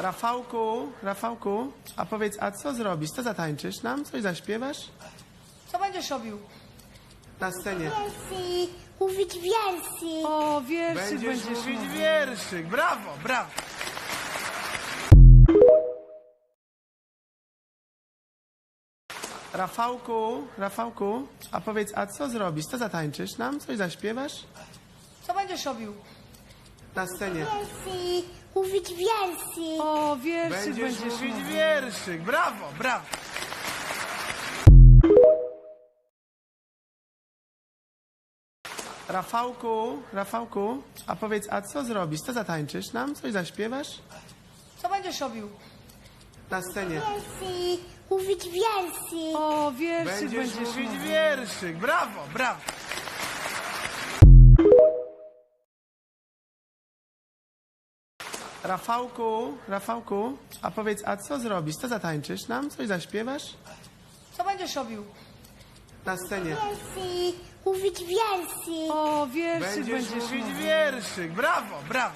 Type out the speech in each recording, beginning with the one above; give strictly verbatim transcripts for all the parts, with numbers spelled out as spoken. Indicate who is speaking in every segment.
Speaker 1: Rafałku, Rafałku, a powiedz, a co zrobisz? Co zatańczysz nam? Coś zaśpiewasz?
Speaker 2: Co będziesz robił?
Speaker 1: Na scenie.
Speaker 3: Wiersy, mówić wiersy.
Speaker 2: O, wierszyk
Speaker 1: Będziesz,
Speaker 2: będziesz,
Speaker 1: mówić
Speaker 2: mówił.
Speaker 1: wierszyk. Brawo, brawo. Rafałku, Rafałku, a powiedz, a co zrobisz? Co zatańczysz nam? Coś zaśpiewasz?
Speaker 2: Co będziesz robił?
Speaker 1: Na scenie.
Speaker 3: Wiersy, mówić wiersy.
Speaker 2: O, wierszyk
Speaker 1: Będziesz,
Speaker 2: będziesz,
Speaker 1: mówić
Speaker 2: mówił.
Speaker 1: wierszyk. Brawo, brawo. Rafałku, Rafałku, a powiedz, a co zrobisz? Co zatańczysz nam? Coś zaśpiewasz?
Speaker 2: Co będziesz robił?
Speaker 1: Na scenie.
Speaker 3: Wiersy, mówić wiersy.
Speaker 2: O, wierszyk
Speaker 1: Będziesz,
Speaker 2: będziesz,
Speaker 1: mówić
Speaker 2: mówił.
Speaker 1: wierszyk. Brawo, brawo. Rafałku, Rafałku, a powiedz, a co zrobisz? Co zatańczysz nam? Coś zaśpiewasz?
Speaker 2: Co będziesz robił?
Speaker 1: Na scenie.
Speaker 3: Wiersy, mówić wiersy.
Speaker 2: O, wierszyk
Speaker 1: Będziesz,
Speaker 2: będziesz,
Speaker 1: mówić
Speaker 2: mówił.
Speaker 1: wierszyk. Brawo, brawo.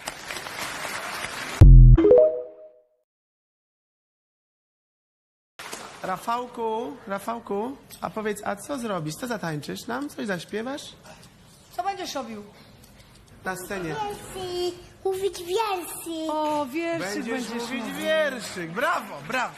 Speaker 1: Rafałku, Rafałku, a powiedz, a co zrobisz? Co zatańczysz nam? Coś zaśpiewasz?
Speaker 2: Co będziesz robił?
Speaker 1: Na scenie.
Speaker 3: Wiersy, mówić wiersy.
Speaker 2: O, wierszyk
Speaker 1: Będziesz,
Speaker 2: będziesz,
Speaker 1: mówić
Speaker 2: mówił.
Speaker 1: wierszyk. Brawo, brawo.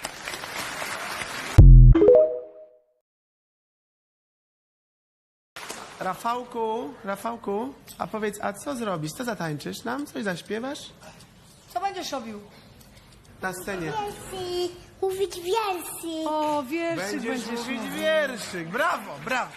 Speaker 1: Rafałku, Rafałku, a powiedz, a co zrobisz? Co zatańczysz nam? Coś zaśpiewasz?
Speaker 2: Co będziesz robił?
Speaker 1: Na scenie.
Speaker 3: Wiersy, mówić wiersy.
Speaker 2: O, wierszyk
Speaker 1: Będziesz,
Speaker 2: będziesz,
Speaker 1: mówić
Speaker 2: mówił.
Speaker 1: wierszyk. Brawo, brawo.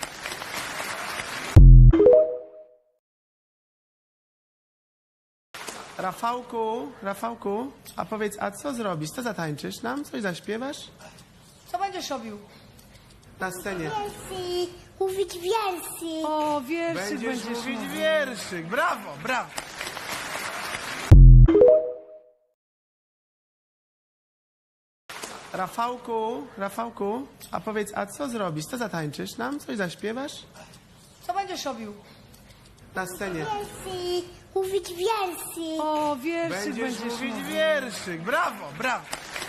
Speaker 1: Rafałku, Rafałku, a powiedz, a co zrobisz? Co zatańczysz nam? Coś zaśpiewasz?
Speaker 2: Co będziesz robił?
Speaker 1: Na scenie.
Speaker 3: Wiersy, mówić wiersy.
Speaker 2: O, wierszyk
Speaker 1: Będziesz,
Speaker 2: będziesz,
Speaker 1: mówić
Speaker 2: mówił.
Speaker 1: wierszyk. Brawo, brawo. Rafałku, Rafałku, a powiedz, a co zrobisz? Co zatańczysz nam? Coś zaśpiewasz?
Speaker 2: Co będziesz robił?
Speaker 1: Na scenie.
Speaker 3: Wiersy, mówić wiersy.
Speaker 2: O, wierszyk
Speaker 1: Będziesz,
Speaker 2: będziesz,
Speaker 1: mówić
Speaker 2: mówił.
Speaker 1: wierszyk. Brawo, brawo.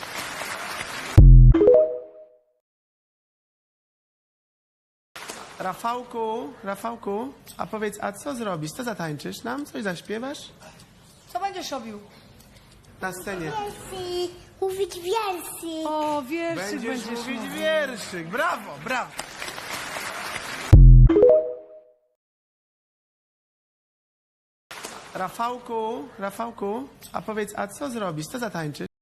Speaker 1: Rafałku, Rafałku, a powiedz, a co zrobisz? Co zatańczysz nam? Coś zaśpiewasz?
Speaker 2: Co będziesz robił?
Speaker 1: Na scenie.
Speaker 3: Wiersy, mówić wiersy.
Speaker 2: O, wierszyk
Speaker 1: Będziesz,
Speaker 2: będziesz,
Speaker 1: mówić
Speaker 2: mówił.
Speaker 1: wierszyk. Brawo, brawo. Rafałku, Rafałku, a powiedz, a co zrobisz? Co zatańczysz?